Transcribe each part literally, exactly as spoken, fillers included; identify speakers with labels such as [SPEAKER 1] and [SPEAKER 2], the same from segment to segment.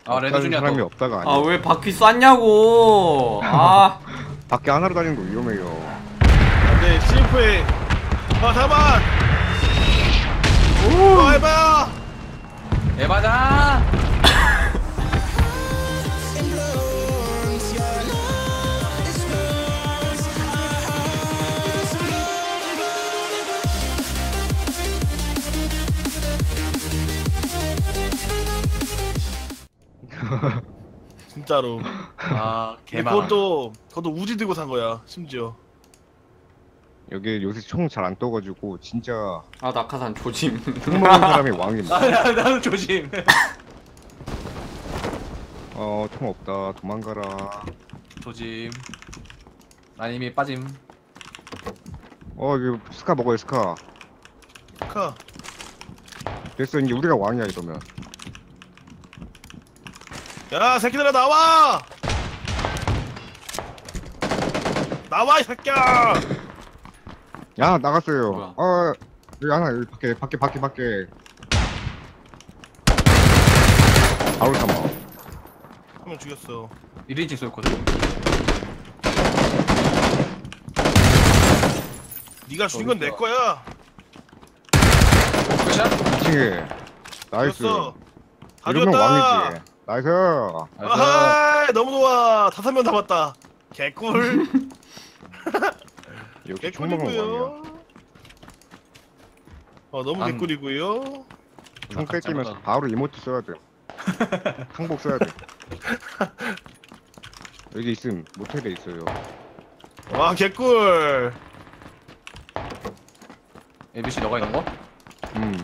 [SPEAKER 1] 아 레드 주니어
[SPEAKER 2] 사람이
[SPEAKER 1] 또.
[SPEAKER 2] 없다가 아니야.
[SPEAKER 3] 아 왜 바퀴 쐈냐고. 아
[SPEAKER 2] 밖에 하나로 다니는 거 위험해요.
[SPEAKER 4] 안돼 씨에프에 아 잠깐만 오 해봐
[SPEAKER 1] 에바자.
[SPEAKER 4] 진짜로.
[SPEAKER 1] 아
[SPEAKER 4] 근데
[SPEAKER 1] 개만.
[SPEAKER 4] 그것도 그것도 우지 들고 산 거야 심지어.
[SPEAKER 2] 여기 요새 총 잘 안 떠가지고 진짜
[SPEAKER 3] 아 낙하산 조짐.
[SPEAKER 2] 총 먹은 사람이 왕입니다.
[SPEAKER 1] 아 나, 나는 조심.
[SPEAKER 2] 어, 총 없다. 도망가라.
[SPEAKER 1] 조심. 난 이미 빠짐.
[SPEAKER 2] 어, 이거 스카 먹어요, 스카.
[SPEAKER 4] 카.
[SPEAKER 2] 됐어, 이제 우리가 왕이야 이러면.
[SPEAKER 4] 야 새끼들아 나와 나와 이 새끼야.
[SPEAKER 2] 야, 나갔어요.
[SPEAKER 3] 뭐야?
[SPEAKER 2] 어, 여기 하나, 여기 밖에, 밖에, 밖에, 밖에. 아우, 잠깐만.
[SPEAKER 4] 한 명 죽였어.
[SPEAKER 1] 일 인칭 쏠거든.
[SPEAKER 4] 네가 죽인 건 내 거야.
[SPEAKER 1] 끝이야?
[SPEAKER 2] 이층에 나이스.
[SPEAKER 4] 죽였어. 다
[SPEAKER 2] 이러면
[SPEAKER 4] 죽였다.
[SPEAKER 2] 왕이지. 나이스.
[SPEAKER 4] 아하 너무 좋아. 다섯 명 남았다. 개꿀.
[SPEAKER 2] 역시 총 먹은 왕이야.
[SPEAKER 4] 개꿀이고요. 어 너무
[SPEAKER 1] 난-
[SPEAKER 4] 개꿀이고요.
[SPEAKER 2] 총
[SPEAKER 1] 깜짝이야.
[SPEAKER 2] 뺏기면서 바로 이모트 써야 돼. 항복 써야 돼. 여기 있음. 모텔에 있어요.
[SPEAKER 4] 와 개꿀.
[SPEAKER 1] 에이비씨 너가 있는 거?
[SPEAKER 2] 음.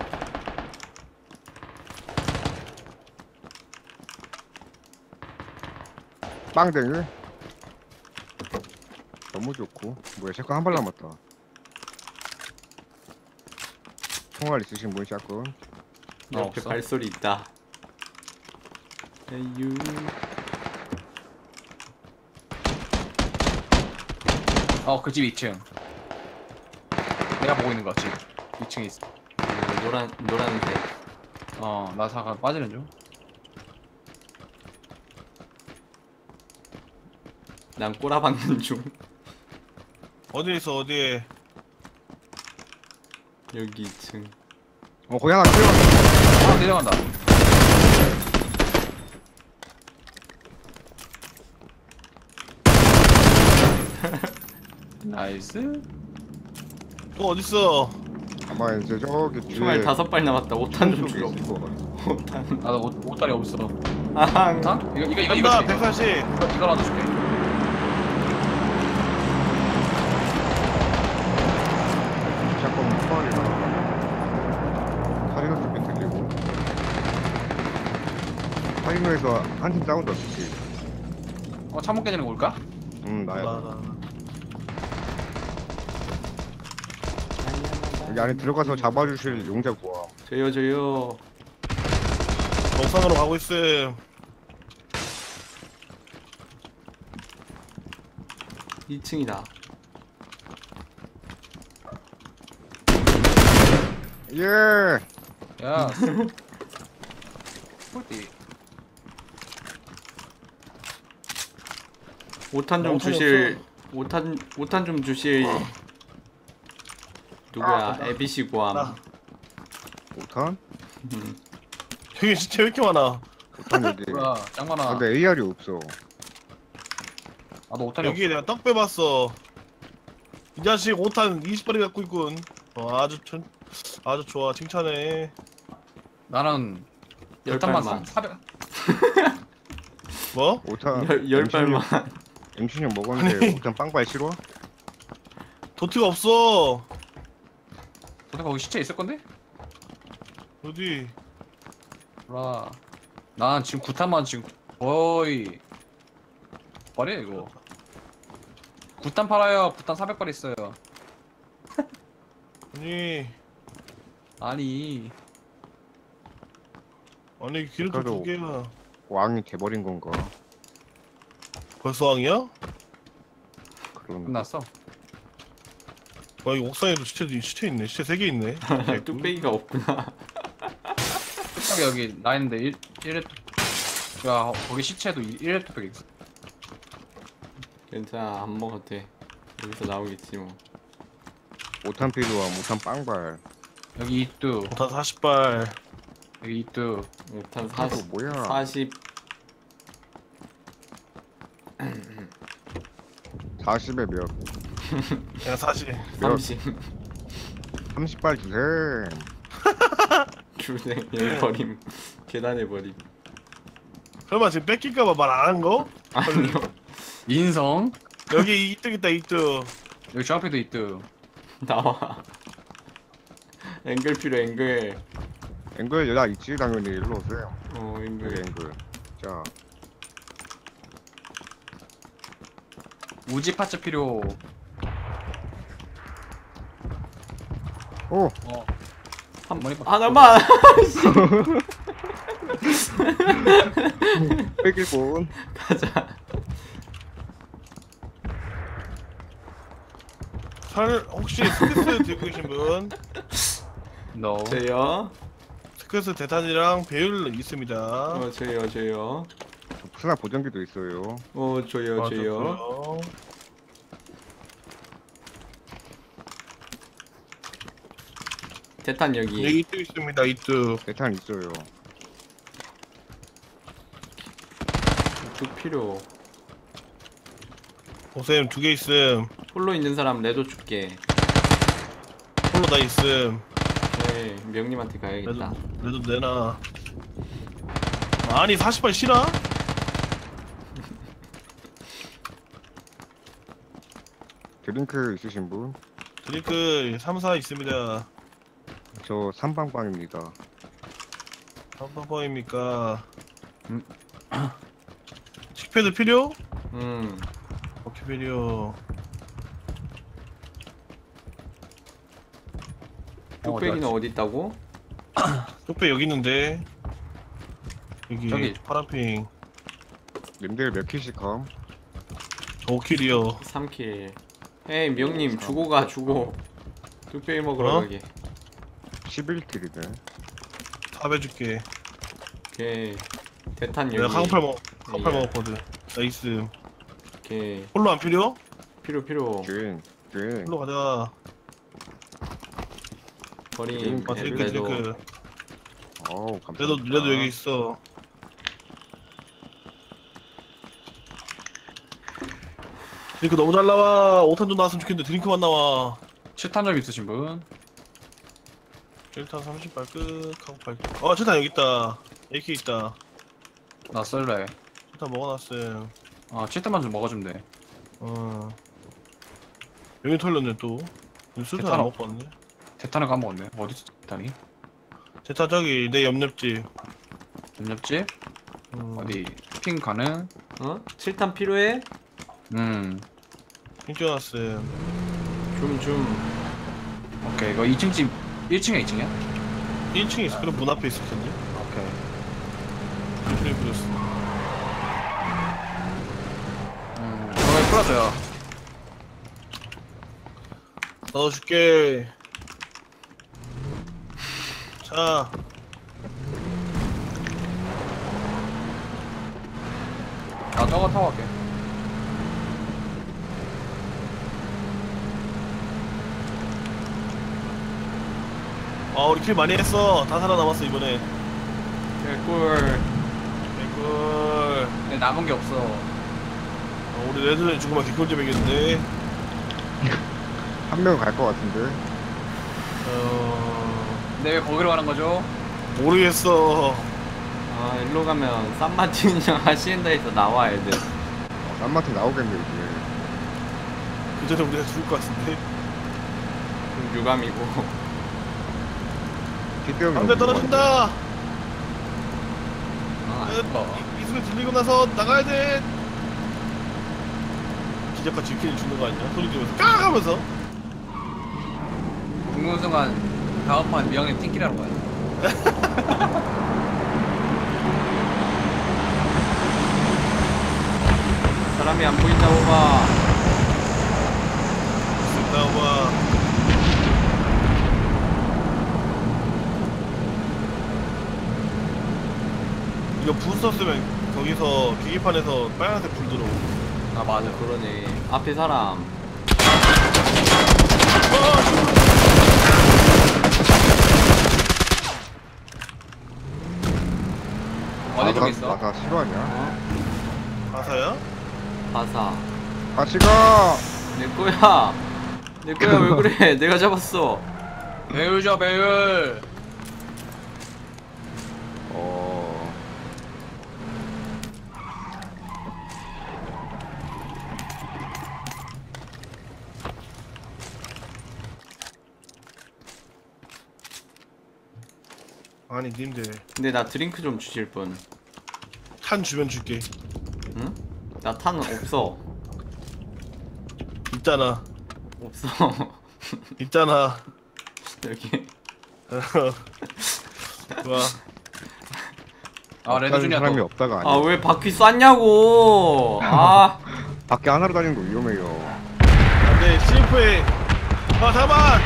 [SPEAKER 2] 빵댕이. 너무 좋고. 뭐야, 샷건 한 발 남았다. 총알 있으신 분 샷건.
[SPEAKER 1] 어,
[SPEAKER 3] 옆에
[SPEAKER 1] 없어.
[SPEAKER 3] 발소리 있다. 에유.
[SPEAKER 1] 어 그 집 이 층. 내가 보고 있는 거 집. 이 층에 있어.
[SPEAKER 3] 음, 노란 노란색.
[SPEAKER 1] 어나 잠깐 빠지는 중.
[SPEAKER 3] 난 꼬라박는 중.
[SPEAKER 4] 어디에 있어 어디에.
[SPEAKER 3] 여기 이 층.
[SPEAKER 2] 어, 거기 하나 뛰어.
[SPEAKER 1] 아 내려간다. 나이스.
[SPEAKER 4] 또 어딨어.
[SPEAKER 2] 아마 이제 저기 뒤에.
[SPEAKER 3] 총알 다섯 발 남았다. 오탄 좀
[SPEAKER 2] 쪽에
[SPEAKER 3] 주러.
[SPEAKER 2] 있을 것 같아.
[SPEAKER 3] 오탄.
[SPEAKER 1] 나도 옷, 옷다리 없어.
[SPEAKER 3] 아항.
[SPEAKER 1] 다? 이거 이거 이거 이거
[SPEAKER 4] 간다
[SPEAKER 1] 줄게, 이거.
[SPEAKER 4] 백사십.
[SPEAKER 1] 이거 이거 하나 줄게.
[SPEAKER 2] 샷건 포괄이라. 카리노 쪽에 들리고. 카리노에서 한 팀 다운도 없지.
[SPEAKER 1] 어 창문 깨지는 거 올까?
[SPEAKER 2] 음, 나야.
[SPEAKER 4] 나, 나.
[SPEAKER 2] 여기 안에 들어가서 잡아주실 용자 구함.
[SPEAKER 3] 저요 저요.
[SPEAKER 4] 정상으로 가고 있음.
[SPEAKER 3] 이 층이다.
[SPEAKER 2] 예.
[SPEAKER 1] 야. 폴띠.
[SPEAKER 3] 오탄 좀
[SPEAKER 4] 어,
[SPEAKER 3] 주실. 오탄 오탄 좀 주실. 누구야? 에비씨 고함.
[SPEAKER 4] 나.
[SPEAKER 2] 오탄?
[SPEAKER 3] 음.
[SPEAKER 4] 여기 진짜 왜 이렇게 많아.
[SPEAKER 2] 오탄 여기.
[SPEAKER 1] 뭐야 짱 많아.
[SPEAKER 2] 아, 근데 에이알이 없어.
[SPEAKER 1] 나도 오탄이
[SPEAKER 4] 여기에 내가 떡 빼봤어. 이 자식 오탄 이십 발이 갖고 있군. 어, 아주 천, 아주 좋아 칭찬해.
[SPEAKER 1] 나는
[SPEAKER 3] 열
[SPEAKER 1] 오탄만
[SPEAKER 3] 발만.
[SPEAKER 1] 사백.
[SPEAKER 4] 뭐?
[SPEAKER 2] 오탄.
[SPEAKER 3] 열, 열 발만.
[SPEAKER 2] 엠십육 먹었는데 오탄 빵발 싫어?
[SPEAKER 4] 도트가 없어.
[SPEAKER 1] 도대체 거기 시체 있을 건데?
[SPEAKER 4] 어디?
[SPEAKER 1] 몰라. 난 지금 구탄만 지금 거의 말이야 이거. 구탄 팔아요. 구탄 사백 발 있어요.
[SPEAKER 4] 아니
[SPEAKER 1] 아니
[SPEAKER 4] 아니 기름통
[SPEAKER 2] 그래도-
[SPEAKER 4] 두 개야.
[SPEAKER 2] 왕이 돼버린 건가?
[SPEAKER 4] 벌써 왕이야?
[SPEAKER 2] 그런.
[SPEAKER 1] 끝났어.
[SPEAKER 4] 와 이 옥상에도 시체 시체 있네. 시체 세 개 있네.
[SPEAKER 3] 뚝배기가 없구나.
[SPEAKER 1] 여기 여기 나 있는데 일 일에 야 거기 시체도 일 렙 팩 있어.
[SPEAKER 3] 괜찮아 안 먹어도 돼. 여기서 나오겠지 뭐.
[SPEAKER 2] 오탄 필요함 오탄 빵발.
[SPEAKER 1] 여기 이뚜.
[SPEAKER 4] 오탄 사십 발.
[SPEAKER 1] 여기 이뚜.
[SPEAKER 3] 오탄
[SPEAKER 2] 아,
[SPEAKER 3] 사십
[SPEAKER 2] 뭐야?
[SPEAKER 3] 사십
[SPEAKER 2] 사십에 몇?
[SPEAKER 4] 그냥 사십.
[SPEAKER 3] 삼십
[SPEAKER 2] 삼십 발 주셈.
[SPEAKER 3] 주생 여기 버림. 계단에 버림.
[SPEAKER 4] 설마 지금 뺏길까봐 말 안 한 거?
[SPEAKER 3] 아니요.
[SPEAKER 1] 인성.
[SPEAKER 4] 여기 이뚝 있다 이뚝.
[SPEAKER 1] 여기 주황패도 이뚜.
[SPEAKER 3] 나와. 앵글 필요 앵글.
[SPEAKER 2] 앵글 여자 있지 당연히 일로 오세요.
[SPEAKER 3] 어
[SPEAKER 2] 여기
[SPEAKER 3] 앵글.
[SPEAKER 2] 앵글. 자
[SPEAKER 1] 우지 파츠 필요.
[SPEAKER 2] 오.
[SPEAKER 1] 어.
[SPEAKER 3] 한
[SPEAKER 1] 머리 박-
[SPEAKER 3] 하나만.
[SPEAKER 2] 뺏길뿐.
[SPEAKER 3] 가자.
[SPEAKER 4] 설 혹시 스크스 들고 계신 분?
[SPEAKER 1] 너.
[SPEAKER 3] 저요.
[SPEAKER 4] 스크스 대탄이랑 배율 있습니다.
[SPEAKER 3] 어 저요 저요.
[SPEAKER 2] 스나 보정기도 있어요.
[SPEAKER 3] 어 저요
[SPEAKER 4] 아,
[SPEAKER 3] 저요.
[SPEAKER 4] 좋고요.
[SPEAKER 3] 대탄 여기.
[SPEAKER 4] 여기 이뚝 있습니다 이뚝.
[SPEAKER 2] 대탄 있어요.
[SPEAKER 3] 두 필요.
[SPEAKER 4] 보셈 두 개 있음.
[SPEAKER 3] 홀로 있는 사람 레도 줄게.
[SPEAKER 4] 홀로 다 있음.
[SPEAKER 3] 네 명님한테
[SPEAKER 4] 레도
[SPEAKER 3] 가야겠다.
[SPEAKER 4] 레도 내놔. 아니 사십 발 실화?
[SPEAKER 2] 드링크 있으신 분?
[SPEAKER 4] 드링크 삼, 사 있습니다.
[SPEAKER 2] 저 삼방방입니다.
[SPEAKER 4] 한번입니까?
[SPEAKER 1] 음.
[SPEAKER 4] 식패드 필요?
[SPEAKER 3] 음.
[SPEAKER 4] 오케이 필요.
[SPEAKER 3] 뚝배기는 어디 있다고?
[SPEAKER 4] 쪽배 여기 있는데. 여기
[SPEAKER 1] 저기.
[SPEAKER 4] 파란핑.
[SPEAKER 2] 님들 몇 킬씩 함?
[SPEAKER 4] 오 킬이요.
[SPEAKER 3] 삼 킬. 에이 명님 주고 가 주고. 뚝배기 먹으러
[SPEAKER 4] 어?
[SPEAKER 3] 가게.
[SPEAKER 2] 십일 킬이네.
[SPEAKER 4] 다 해줄게.
[SPEAKER 3] 오케이. 대탄 여기.
[SPEAKER 4] 내가 강팔 먹 강팔
[SPEAKER 3] 예.
[SPEAKER 4] 먹었거든. 나이스.
[SPEAKER 3] 오케이.
[SPEAKER 4] 홀로 안 필요?
[SPEAKER 3] 필요 필요.
[SPEAKER 2] 준, 준.
[SPEAKER 4] 홀로 가자.
[SPEAKER 3] 버림.
[SPEAKER 4] 아
[SPEAKER 3] 네,
[SPEAKER 4] 드링크
[SPEAKER 3] 레도.
[SPEAKER 4] 드링크.
[SPEAKER 2] 어우 감사합니다.
[SPEAKER 4] 레도 레도 여기 있어. 드링크 너무 잘 나와. 오 탄 좀 나왔으면 좋겠는데 드링크만 나와.
[SPEAKER 1] 칠 탄점 있으신 분?
[SPEAKER 4] 칠 탄 삼십 발 끝. 하고 발. 어 칠 탄 여기 있다. 에이케이 있다.
[SPEAKER 1] 나 썰래.
[SPEAKER 4] 칠 탄 먹어놨음.
[SPEAKER 1] 아 칠 탄만 좀 먹어주면 돼.
[SPEAKER 4] 어. 여기 털렸네 또. 술탄 안
[SPEAKER 1] 대탄
[SPEAKER 4] 먹고 왔네.
[SPEAKER 1] 대탄을 까먹었네. 어디 있어 대탄이?
[SPEAKER 4] 제타 저기 내 옆옆집.
[SPEAKER 1] 옆집?
[SPEAKER 4] 음.
[SPEAKER 1] 어디? 핑 가는?
[SPEAKER 3] 어? 칠탄 필요해?
[SPEAKER 1] 음.
[SPEAKER 4] 핑겨놨음.
[SPEAKER 3] 좀 좀.
[SPEAKER 1] 오케이 이거 이 층 집 일 층이야 이 층이야?
[SPEAKER 4] 일 층에 있어. 그럼 문 앞에 있을 텐데.
[SPEAKER 1] 오케이.
[SPEAKER 4] 일층에 뿌렸어.
[SPEAKER 1] 음. 저거 풀어줘요.
[SPEAKER 4] 넣어줄게. 자.
[SPEAKER 1] 나 저거 타고 갈게.
[SPEAKER 4] 아 우리 킬 많이 했어. 다 살아남았어 이번에.
[SPEAKER 3] 개꿀.
[SPEAKER 4] 개꿀.
[SPEAKER 1] 근데 남은 게 없어.
[SPEAKER 4] 어, 우리 레드는 죽으면 개꿀잼이겠는데.
[SPEAKER 2] 한 명 갈 것 같은데.
[SPEAKER 4] 어.
[SPEAKER 1] 근데 왜 거기로 가는 거죠?
[SPEAKER 4] 모르겠어.
[SPEAKER 3] 아 일로 가면 산마틴이랑 하시엔다에서 나와 애들.
[SPEAKER 2] 어, 딴마트 나오겠네 이제.
[SPEAKER 4] 그 전에 우리가 죽을 것 같은데.
[SPEAKER 3] 그럼 유감이고.
[SPEAKER 2] 뒷병이
[SPEAKER 4] 안돼 떨어진다.
[SPEAKER 1] 아
[SPEAKER 4] 에,
[SPEAKER 1] 아까
[SPEAKER 4] 이, 이 소리 들리고 나서 나가야 돼. 기적과 지킨이 죽는 거 아니야? 소리 지르면서 까 하면서.
[SPEAKER 1] 죽는 순간 다음 판 미영님 팅키라는 거야.
[SPEAKER 3] 사람이 안 보인다고 봐.
[SPEAKER 4] 나와. 이거 부스터 쓰면 거기서 계기판에서 빨간색 불 들어오고.
[SPEAKER 1] 아 맞아.
[SPEAKER 3] 그러네. 앞에 사람.
[SPEAKER 1] 어디 쪽에 있어?
[SPEAKER 2] 나가 싫어하냐?
[SPEAKER 3] 어?
[SPEAKER 4] 가사야?
[SPEAKER 3] 바사.
[SPEAKER 2] 같이 가.
[SPEAKER 3] 내 거야. 내 거야. 왜 그래? 내가 잡았어.
[SPEAKER 1] 배율죠 배율.
[SPEAKER 2] 어.
[SPEAKER 4] 아니 님들
[SPEAKER 3] 근데 나 드링크 좀 주실 분.
[SPEAKER 4] 탄 주면 줄게.
[SPEAKER 3] 응? 나 탄 없어.
[SPEAKER 4] 있잖아.
[SPEAKER 3] 없어.
[SPEAKER 4] 있잖아.
[SPEAKER 3] 여기.
[SPEAKER 4] 좋아.
[SPEAKER 1] 아 레드
[SPEAKER 2] 다른
[SPEAKER 1] 주니어
[SPEAKER 2] 사람이
[SPEAKER 1] 또.
[SPEAKER 2] 없다가 아니야.
[SPEAKER 3] 아 왜 바퀴 쐈냐고. 아.
[SPEAKER 2] 밖에 하나로 다니는 거 위험해요.
[SPEAKER 4] 안돼 씨에프에. 아 잠깐.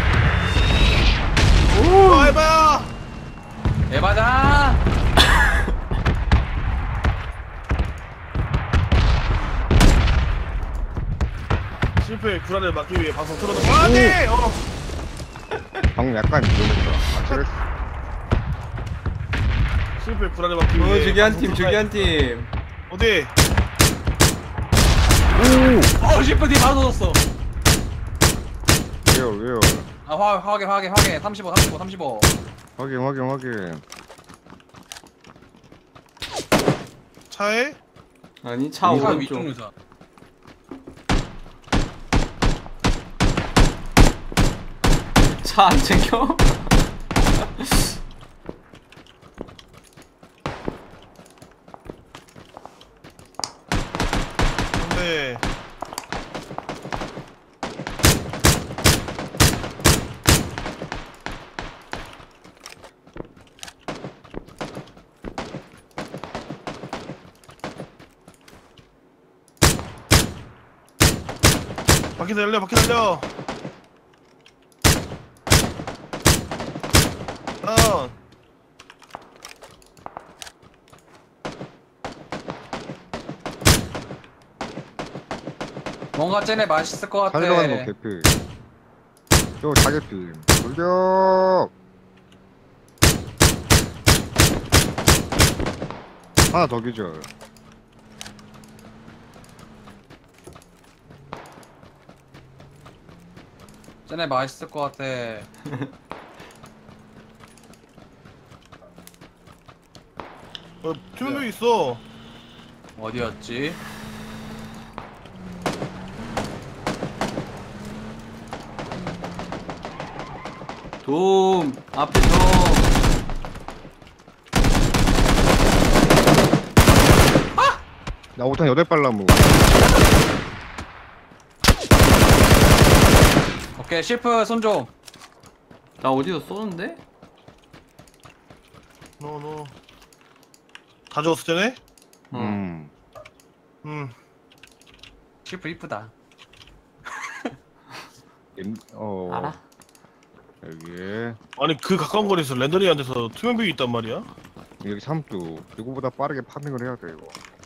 [SPEAKER 4] 오. 아 해봐야.
[SPEAKER 1] 에바다.
[SPEAKER 4] 씨에프의 불안을 막기 위해 방송 틀어놓고. 안돼. 어.
[SPEAKER 2] 방금 약간 위험했어. 아, 그랬어.
[SPEAKER 4] 씨에프의 불안을 막기
[SPEAKER 3] 어
[SPEAKER 4] 위해.
[SPEAKER 3] 저기 한
[SPEAKER 4] 방송
[SPEAKER 3] 팀 저기
[SPEAKER 4] 틀어놔-
[SPEAKER 3] 한 팀.
[SPEAKER 4] 어디?
[SPEAKER 1] 어 시프 뒤 바로 터졌어.
[SPEAKER 2] 왜요 왜요?
[SPEAKER 1] 아 화, 화게 화게 화게 삼십오 삼십오 삼십오.
[SPEAKER 2] 확인 확인 확인.
[SPEAKER 4] 차에?
[SPEAKER 3] 아니 차
[SPEAKER 1] 차
[SPEAKER 3] 오른쪽.
[SPEAKER 1] 위쪽 유사.
[SPEAKER 3] 차 안 챙겨?
[SPEAKER 4] 근데 바퀴 달려 바퀴 달려. 다운.
[SPEAKER 1] 뭔가 쟤네 맛있을 것 같아.
[SPEAKER 2] 살려가는 거 개피. 저 자개피. 돌격. 하나 더 기절.
[SPEAKER 1] 쟤네 맛있을 것 같아.
[SPEAKER 4] 어, 투명벽 있어.
[SPEAKER 1] 어디였지?
[SPEAKER 3] 돔 앞에 돔.
[SPEAKER 2] 나 오탄 여덟 발 나무.
[SPEAKER 1] 오케이 시프 손 좀.
[SPEAKER 3] 나 어디서 쏘는데?
[SPEAKER 4] 노노. 다 죽었을 때네?
[SPEAKER 3] 어.
[SPEAKER 2] 음.
[SPEAKER 4] 음.
[SPEAKER 1] 시프 이쁘다.
[SPEAKER 2] 엠- 어.
[SPEAKER 3] 알아?
[SPEAKER 2] 여기에
[SPEAKER 4] 아니 그 가까운 거리에서 랜더리한테서 투명벽이 있단 말이야?
[SPEAKER 2] 여기 삼두. 이거보다 빠르게 파밍을 해야 돼 이거.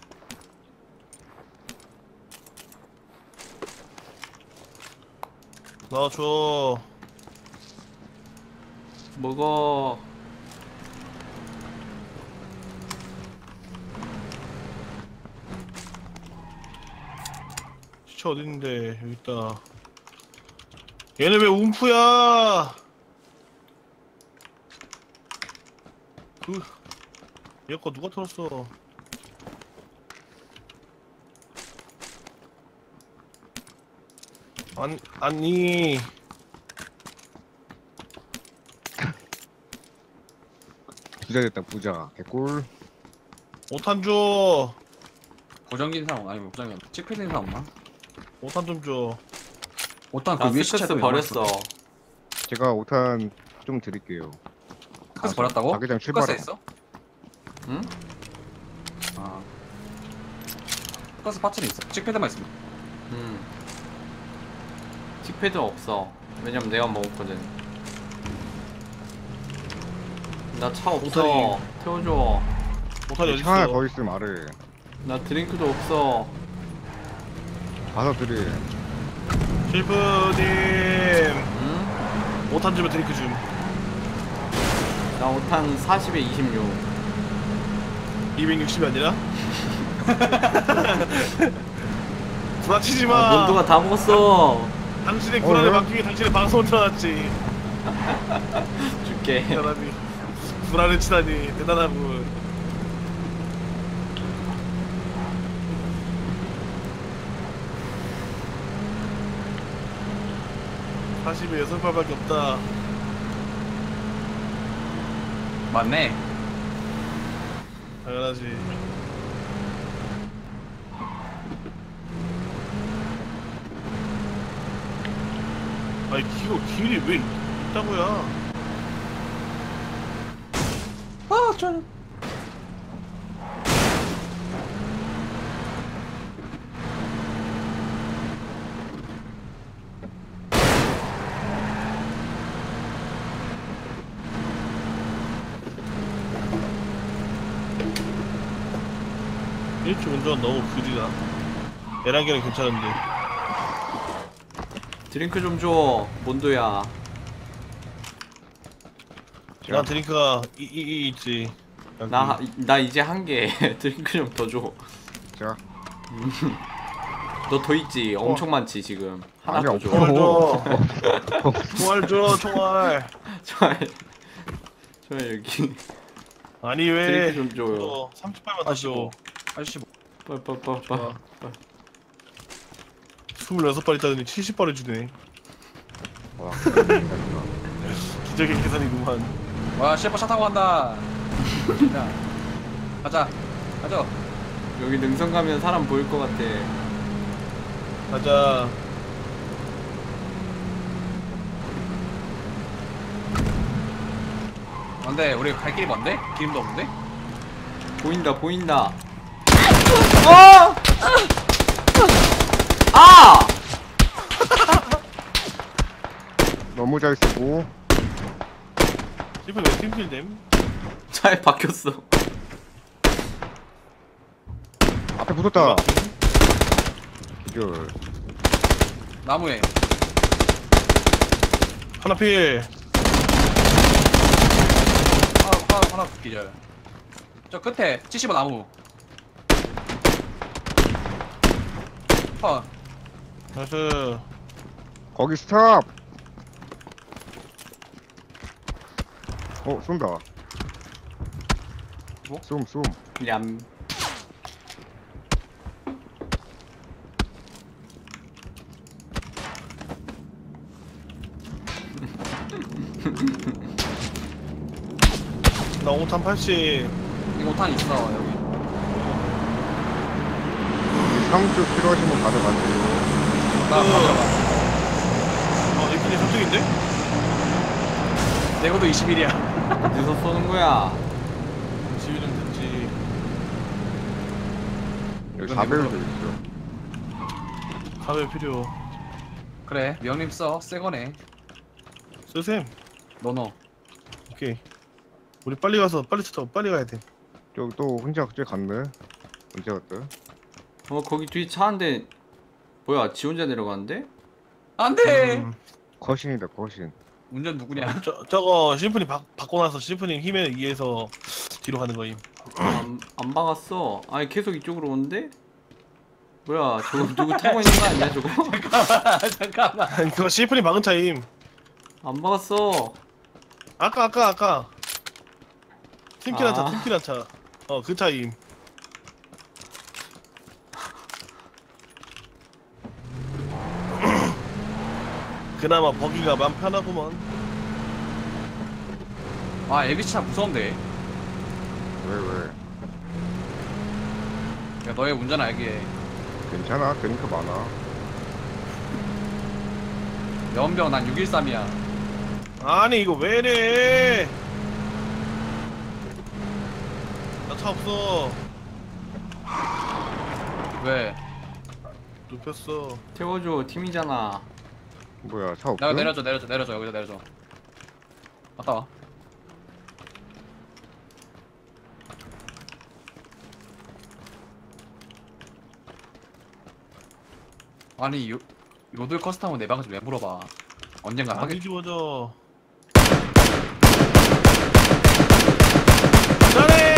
[SPEAKER 4] 나줘.
[SPEAKER 3] 먹어.
[SPEAKER 4] 시체 어딨는데 여기 있다. 얘네 왜 움프야? 그 얘 거 누가 털었어? 아니 아니
[SPEAKER 2] 부자 됐다 부자. 개꿀.
[SPEAKER 4] 오탄 줘.
[SPEAKER 1] 고정긴 사람 아니면 고정긴 찍힐린 사람 없나?
[SPEAKER 4] 오탄 좀 줘.
[SPEAKER 1] 오탄
[SPEAKER 3] 나
[SPEAKER 1] 그 위에
[SPEAKER 3] 스커스
[SPEAKER 1] 시체도
[SPEAKER 3] 버렸어.
[SPEAKER 2] 제가 오탄 좀 드릴게요.
[SPEAKER 1] 스커스 버렸다고?
[SPEAKER 2] 자기장
[SPEAKER 1] 스커스
[SPEAKER 2] 출발하고.
[SPEAKER 1] 있어?
[SPEAKER 3] 응?
[SPEAKER 1] 아 스커스 파츠는 있어. 찍패드만 있으면.
[SPEAKER 3] 응. 틱패드 없어. 왜냐면 내가 먹었거든. 나 차 없어.
[SPEAKER 4] 오타리.
[SPEAKER 3] 태워줘.
[SPEAKER 4] 오탄이
[SPEAKER 2] 차 하나
[SPEAKER 4] 어딨어?
[SPEAKER 2] 더 있으면 말해.
[SPEAKER 3] 나 드링크도 없어.
[SPEAKER 2] 가서 드리.
[SPEAKER 4] 셰프님
[SPEAKER 3] 응?
[SPEAKER 4] 오탄 주면 드링크 줌.
[SPEAKER 3] 나 오탄 사십에 이십육.
[SPEAKER 4] 이백육십이 아니라? 부딪히지 마.
[SPEAKER 3] 아, 몬드가 다 먹었어.
[SPEAKER 4] 당신의
[SPEAKER 2] 어,
[SPEAKER 4] 불안에
[SPEAKER 2] 왜?
[SPEAKER 4] 맡기기 당신의 방송을 틀어놨지.
[SPEAKER 3] 줄게.
[SPEAKER 4] 사람이 불안에 치다니 대단하군. 사십에 여섯 발밖에 없다.
[SPEAKER 1] 맞네.
[SPEAKER 4] 당연하지. 아니 이거 길이 왜 있다고야?
[SPEAKER 1] 아, 저.
[SPEAKER 4] 일주 운전 너무 그지다. 에란게는 괜찮은데.
[SPEAKER 3] 드링크 좀 줘. 몬드야.
[SPEAKER 4] 난 드링크가 이, 이, 이 있지.
[SPEAKER 3] 나, 나 이제 한 개. 드링크 좀 더 줘.
[SPEAKER 2] 자.
[SPEAKER 3] 너 더 있지? 엄청 많지 지금. 하나
[SPEAKER 2] 아니,
[SPEAKER 3] 더 줘.
[SPEAKER 2] 없어.
[SPEAKER 4] 총알 줘. 총알 줘. 총알.
[SPEAKER 3] 좋아요. 좋아요 여기.
[SPEAKER 4] 아니 왜?
[SPEAKER 3] 드링크 좀 줘요.
[SPEAKER 4] 삼십 발만 더 줘.
[SPEAKER 1] 아저씨 뭐.
[SPEAKER 3] 빠빠빠빠.
[SPEAKER 4] 스물여섯 발 있다더니 칠십 발을 주네.
[SPEAKER 2] 와,
[SPEAKER 4] 기적의 계산이구만.
[SPEAKER 1] 와, 셰프 차 타고 간다. 자, 가자. 가자.
[SPEAKER 3] 여기 능선 가면 사람 보일 것 같아.
[SPEAKER 4] 가자.
[SPEAKER 1] 뭔데? 우리 갈 길이 뭔데? 기름도 없는데?
[SPEAKER 3] 보인다 보인다. 어! 아!
[SPEAKER 2] 너무 잘 쓰고.
[SPEAKER 4] 지금 왜 팀킬됨?
[SPEAKER 3] 차에 박혔어.
[SPEAKER 2] 앞에 붙었다. 기절.
[SPEAKER 1] 나무에.
[SPEAKER 4] 하나 필.
[SPEAKER 1] 하나, 하나, 하나 기절. 저 끝에 칠십 번 나무. 어,
[SPEAKER 4] 나이스.
[SPEAKER 2] 거기 스탑. 어, 쏜다.
[SPEAKER 1] 뭐?
[SPEAKER 2] 쏨, 쏨.
[SPEAKER 3] 얌.
[SPEAKER 4] 나 오탄 팔십.
[SPEAKER 1] 이 오탄 있어, 여기.
[SPEAKER 2] 상주 필요하시면 가져가세요.
[SPEAKER 1] 나
[SPEAKER 4] 그-
[SPEAKER 1] 가져가.
[SPEAKER 4] 어, 이쁜이 삼 등인데?
[SPEAKER 1] 내 것도 이십일이야.
[SPEAKER 3] 어디서 쏘는 거야?
[SPEAKER 4] 지휘 좀 됐지.
[SPEAKER 2] 여기 사 배율도 있어.
[SPEAKER 4] 가면 필요.
[SPEAKER 1] 그래, 명님 써. 새 거네.
[SPEAKER 4] 쓰셈.
[SPEAKER 1] 너 너.
[SPEAKER 4] 오케이. 우리 빨리 가서 빨리 쳐. 빨리 가야 돼.
[SPEAKER 2] 저기 또 혼자 그제 갔네. 언제 갔다?
[SPEAKER 3] 어 거기 뒤에 차 한 대. 뭐야 지 혼자 내려가는데?
[SPEAKER 1] 안 돼!
[SPEAKER 4] 음,
[SPEAKER 2] 거신이다, 거신.
[SPEAKER 1] 운전 누구냐?
[SPEAKER 4] 저 저거 심프님 바, 바꿔 놔서 심프님 힘에 의해서 뒤로 가는 거임.
[SPEAKER 3] 안, 안 박았어. 아니 계속 이쪽으로 오는데? 뭐야 저거 누구 타고 있는 거 아니야 저거?
[SPEAKER 1] 잠깐만, 잠깐만.
[SPEAKER 4] 아니, 그거 심프님 박은 차임.
[SPEAKER 3] 안 박았어.
[SPEAKER 4] 아까 아까 아까. 팀킬한 차,
[SPEAKER 3] 아.
[SPEAKER 4] 팀킬한 차. 어, 그 차임. 그나마 버기가 맘 편하구먼.
[SPEAKER 1] 아, 에비차 무서운데.
[SPEAKER 2] 왜, 왜?
[SPEAKER 1] 야, 너의 운전 알게.
[SPEAKER 2] 괜찮아, 드링크 많아.
[SPEAKER 1] 연병 난 육일삼이야.
[SPEAKER 4] 아니 이거 왜래? 나 차 없어.
[SPEAKER 1] 왜?
[SPEAKER 4] 눕혔어.
[SPEAKER 3] 태워줘 팀이잖아.
[SPEAKER 2] 뭐야, 차 없어?
[SPEAKER 1] 내가 내려줘, 내려줘, 내려줘. 여기다 내려줘. 갔다 와. 아니 요 요들 커스텀은 내 방에서 왜 물어봐? 언젠가
[SPEAKER 4] 안
[SPEAKER 1] 하겠지.
[SPEAKER 4] 뒤집어져. 잘해.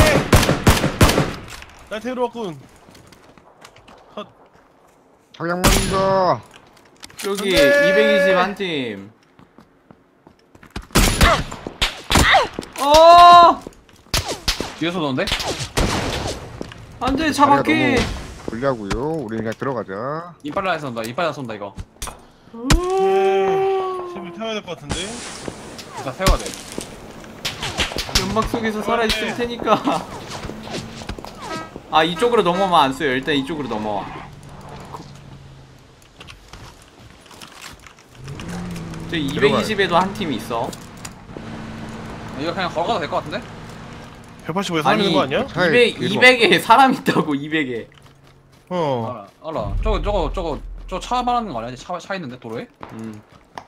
[SPEAKER 4] 날 태우러 왔군.
[SPEAKER 2] 장양 맞는다.
[SPEAKER 3] 여기
[SPEAKER 4] 안 돼!
[SPEAKER 3] 이백이십 한 팀. 어!
[SPEAKER 1] 뒤에서 오는데?
[SPEAKER 3] 안돼 차바퀴.
[SPEAKER 2] 다리가 너무 불리하고요. 우리 그냥 들어가자.
[SPEAKER 1] 이빨라에서 온다. 이빨라에서 온다 이거.
[SPEAKER 4] 집을 태워야 될 것 같은데.
[SPEAKER 1] 일단 세워야 돼.
[SPEAKER 3] 연막 속에서 살아 있을 테니까. 아 이쪽으로 넘어오면 안 써요. 일단 이쪽으로 넘어와. 저 이백이십에도 한 팀 있어.
[SPEAKER 1] 이거 그냥 걸어가도 될 것 같은데?
[SPEAKER 4] 백팔십오에 사람 있는 거 아니야?
[SPEAKER 2] 차에
[SPEAKER 3] 이백,
[SPEAKER 2] 뒤로
[SPEAKER 3] 이백에 사람 있다고 이백에.
[SPEAKER 4] 어.
[SPEAKER 1] 알아 알아. 저거 저거 저거 저 차 말하는 거 아니야? 차, 차 있는데 도로에?
[SPEAKER 3] 음.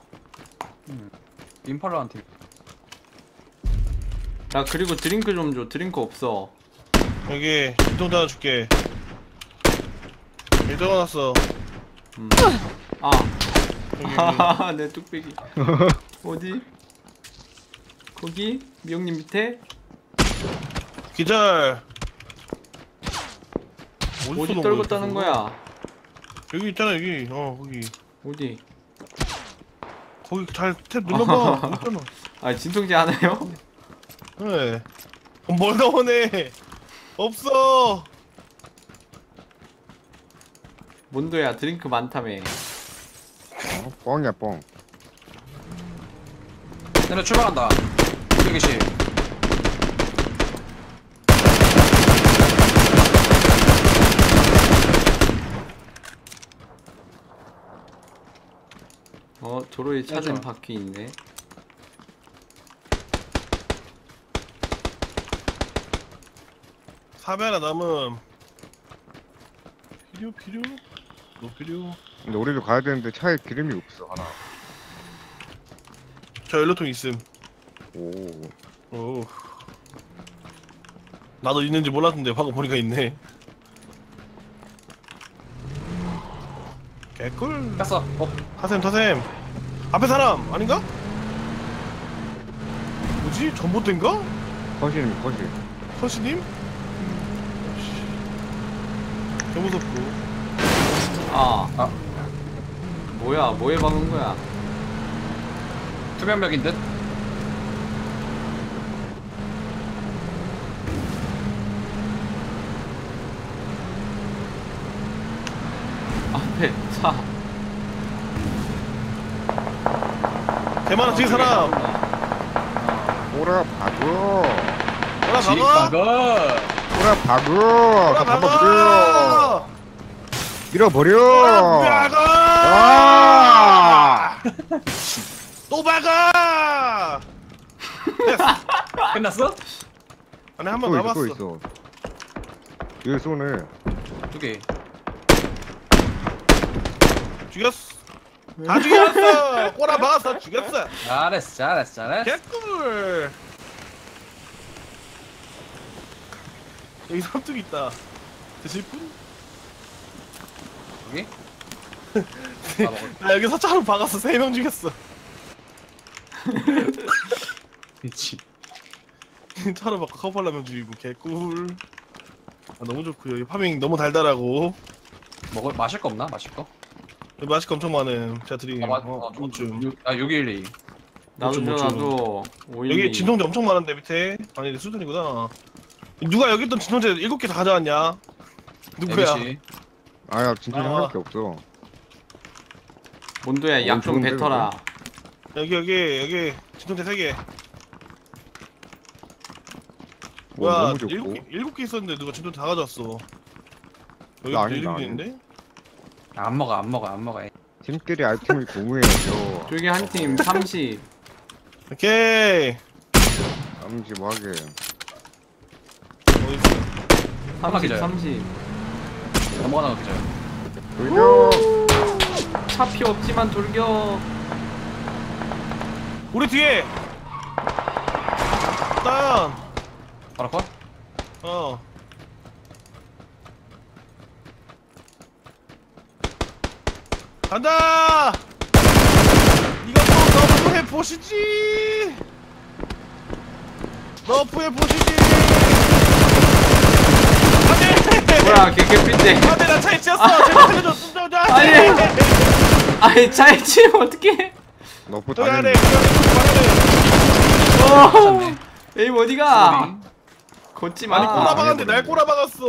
[SPEAKER 1] 임팔라한 팀.
[SPEAKER 3] 야 그리고 드링크 좀 줘. 드링크 없어.
[SPEAKER 4] 여기 운동자 하나 줄게. 여기 적어놨어.
[SPEAKER 3] 음. 아.
[SPEAKER 4] 여기, 여기.
[SPEAKER 3] 하하하 내 뚝배기. 어디? 거기? 미영님 밑에?
[SPEAKER 4] 기절.
[SPEAKER 3] 어디
[SPEAKER 4] 쏘는
[SPEAKER 3] 떨고
[SPEAKER 4] 거야,
[SPEAKER 3] 따는
[SPEAKER 4] 그거?
[SPEAKER 3] 거야?
[SPEAKER 4] 여기 있잖아 여기. 어 거기.
[SPEAKER 3] 어디?
[SPEAKER 4] 거기 잘 탭 눌러봐. 거기 있잖아.
[SPEAKER 3] 아 진통제 하나요?
[SPEAKER 4] 네. 어, 뭘 나오네. 없어.
[SPEAKER 3] 몬도야 드링크 많다며.
[SPEAKER 2] 어, 뻥이야 뻥.
[SPEAKER 1] 내가 출발한다. 이백이십.
[SPEAKER 3] 어 도로에 차된
[SPEAKER 1] 맞아.
[SPEAKER 3] 바퀴 있네.
[SPEAKER 4] 사배 하나 남음. 필요 필요. 너 필요.
[SPEAKER 2] 근데 우리도 가야 되는데 차에 기름이 없어 하나.
[SPEAKER 4] 저 연료통 있음.
[SPEAKER 2] 오.
[SPEAKER 4] 오. 나도 있는지 몰랐는데 방금 보니까 있네. 개꿀.
[SPEAKER 1] 갔어. 어.
[SPEAKER 4] 타셈 타셈. 앞에 사람 아닌가? 뭐지? 전봇대인가?
[SPEAKER 2] 커시님 커시.
[SPEAKER 4] 선씨님? 개 무섭고.
[SPEAKER 3] 아.
[SPEAKER 1] 아.
[SPEAKER 3] 뭐야 뭐에 박은 거야?
[SPEAKER 1] 투명벽인 듯.
[SPEAKER 3] 앞에 차.
[SPEAKER 4] 대만아 뒤에 사람.
[SPEAKER 2] 오라 박어.
[SPEAKER 4] 뭐라
[SPEAKER 1] 지
[SPEAKER 4] 박아?
[SPEAKER 1] 박어.
[SPEAKER 2] 오라 박어.
[SPEAKER 4] 뭐라
[SPEAKER 2] 다 잡아버려.
[SPEAKER 4] 박아?
[SPEAKER 2] 밀어버려.
[SPEAKER 4] 뭐라 박아?
[SPEAKER 2] 아!
[SPEAKER 4] 또 박아! 됐어.
[SPEAKER 1] 끝났어?
[SPEAKER 4] 아니 한 번
[SPEAKER 2] 또 있어
[SPEAKER 4] 남았어.
[SPEAKER 2] 또 있어. 여기 쏘네.
[SPEAKER 1] 두 개.
[SPEAKER 4] 죽였어. 다 죽였어. 꼬라 박았어. 죽였어.
[SPEAKER 1] 잘했어 잘했어 잘했어.
[SPEAKER 4] 개꿀. 여기 삼뚝 있다. 드실 분?
[SPEAKER 1] 여기? 아, 먹을.
[SPEAKER 4] 나 여기 사차로 박았어. 세 명 죽였어.
[SPEAKER 1] 미치.
[SPEAKER 4] 차로 바꿔 커버라면 죽이고 개꿀. 아, 너무 좋고요. 이 파밍 너무 달달하고
[SPEAKER 1] 먹을 마실 거 없나? 마실 거?
[SPEAKER 4] 여기 맛있게 엄청 많음. 제가 드림.
[SPEAKER 1] 아, 맞,
[SPEAKER 4] 어,
[SPEAKER 1] 어,
[SPEAKER 4] 좀.
[SPEAKER 1] 육- 아, 육일이.
[SPEAKER 3] 나도 줘
[SPEAKER 4] 뭐 좀,
[SPEAKER 3] 나도. 오일이.
[SPEAKER 4] 여기 진통제 엄청 많은데 밑에. 아니 수준이구나. 누가 여기 있던 진통제 일곱 개 다 가져왔냐? 누구야?
[SPEAKER 1] 에비씨.
[SPEAKER 2] 아야 진짜
[SPEAKER 4] 아.
[SPEAKER 2] 생각밖에 없어.
[SPEAKER 3] 몬도야 약 좀
[SPEAKER 2] 좋은데,
[SPEAKER 3] 뱉어라.
[SPEAKER 4] 여기 여기 여기 진통제 세 개.
[SPEAKER 2] 오,
[SPEAKER 4] 뭐야?
[SPEAKER 2] 너무 좋고.
[SPEAKER 4] 일곱 개 일곱 개 있었는데 누가 진통제 다 가져왔어. 여기
[SPEAKER 2] 나 아닌데,
[SPEAKER 4] 일곱
[SPEAKER 2] 나
[SPEAKER 4] 개 있는데?
[SPEAKER 1] 안 먹어 안 먹어 안 먹어.
[SPEAKER 2] 팀끼리 아이템을 공유해야죠.
[SPEAKER 3] 저기 한 팀 삼십.
[SPEAKER 4] 오케이.
[SPEAKER 2] 암지하게.
[SPEAKER 4] 어디 있어?
[SPEAKER 3] 삼십
[SPEAKER 1] 기자야.
[SPEAKER 3] 삼십.
[SPEAKER 1] 넘어가는 거 그죠?
[SPEAKER 2] 돌려.
[SPEAKER 3] 차 피 없지만 돌격.
[SPEAKER 4] 우리 뒤에. 일단
[SPEAKER 1] 바로 컷?
[SPEAKER 4] 어. 간다. 이것도 너프해 보시지. 너프해 보시지. 안돼.
[SPEAKER 3] 뭐야 개개핀데.
[SPEAKER 4] 안돼 나 차에 치였어. 제발 살려줘. 숨 좀.
[SPEAKER 3] 아니. 아니 차에 치면 어떡해?
[SPEAKER 2] 너프
[SPEAKER 4] 그래
[SPEAKER 2] 다녔네.
[SPEAKER 4] 그래 그래.
[SPEAKER 3] 어. 에임 어디가? 걷지 마.
[SPEAKER 4] 아니 꼬라박았는데 날 꼬라박았어.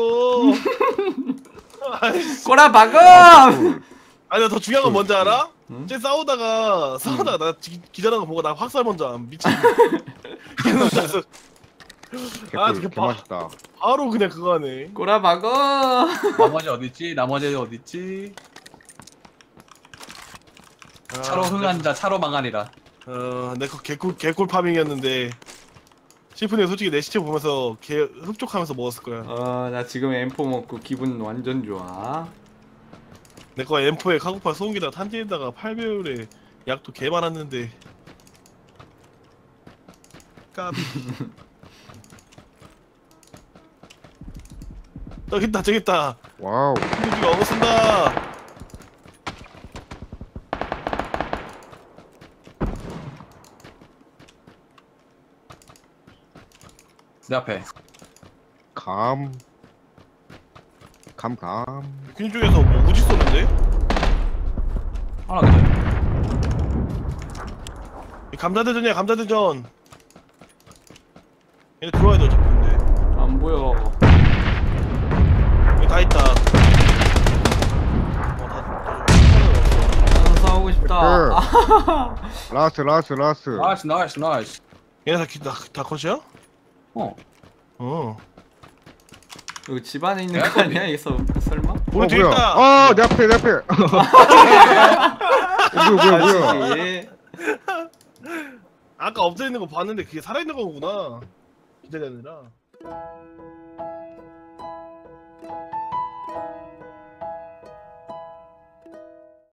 [SPEAKER 4] 아이씨.
[SPEAKER 3] 꼬라박음.
[SPEAKER 4] 아니 나 더 중요한 건 뭔지 알아?
[SPEAKER 3] 응?
[SPEAKER 4] 쟤 싸우다가 싸우다가 나 기, 기절하는 거 보고 나 확살 먼저 안 미친. 그래서 아,
[SPEAKER 2] 개꿀
[SPEAKER 4] 되게
[SPEAKER 2] 개
[SPEAKER 4] 봐.
[SPEAKER 2] 맛있다.
[SPEAKER 4] 바로 그냥 그거 하네.
[SPEAKER 3] 꼬라박어.
[SPEAKER 1] 나머지 어딨지? 나머지 어딨지?
[SPEAKER 4] 아,
[SPEAKER 1] 차로 흥한 자 차로 망하리라.
[SPEAKER 4] 어, 내거 개꿀 개꿀 파밍이었는데 시프님 솔직히 내 시체 보면서 개 흡족하면서 먹었을 거야.
[SPEAKER 3] 어나 지금 엠포 먹고 기분 완전 좋아.
[SPEAKER 4] 내 거 엠포에 카고파 소음기다 탄지에다가 팔 배율에 약도 개 많았는데. 까비. 저기 있다 저기 있다.
[SPEAKER 2] 와우.
[SPEAKER 4] 친구들이 어거 쓴다.
[SPEAKER 1] 내 앞에.
[SPEAKER 2] 감. 감 감.
[SPEAKER 4] 퀸 쪽에서 뭐 우지 쏘는데?
[SPEAKER 1] 하나 기절.
[SPEAKER 4] 이 감자대전이야 감자대전. 얘네 들어와야 돼 어차피 근데.
[SPEAKER 3] 안 보여.
[SPEAKER 4] 여기 다 있다. 어, 다, 다,
[SPEAKER 3] 나도 싸우고 싶다.
[SPEAKER 2] 그. 라스 라스 라스.
[SPEAKER 1] 나이스 나이스 나이스.
[SPEAKER 4] 얘네 다, 기- 다, 다 컷이야?
[SPEAKER 1] 어.
[SPEAKER 4] 어.
[SPEAKER 3] 이거 집 안에 있는
[SPEAKER 1] 내가
[SPEAKER 3] 거 아니야? 여기서 설마?
[SPEAKER 4] 우리 뒤에
[SPEAKER 2] 뭐야?
[SPEAKER 4] 있다.
[SPEAKER 2] 아, 내 앞에 내 앞에. 어, 뭐야 뭐야 뭐야.
[SPEAKER 3] 예.
[SPEAKER 4] 아까 엎드려 있는 거 봤는데 그게 살아 있는 거구나. 기절이 아니라.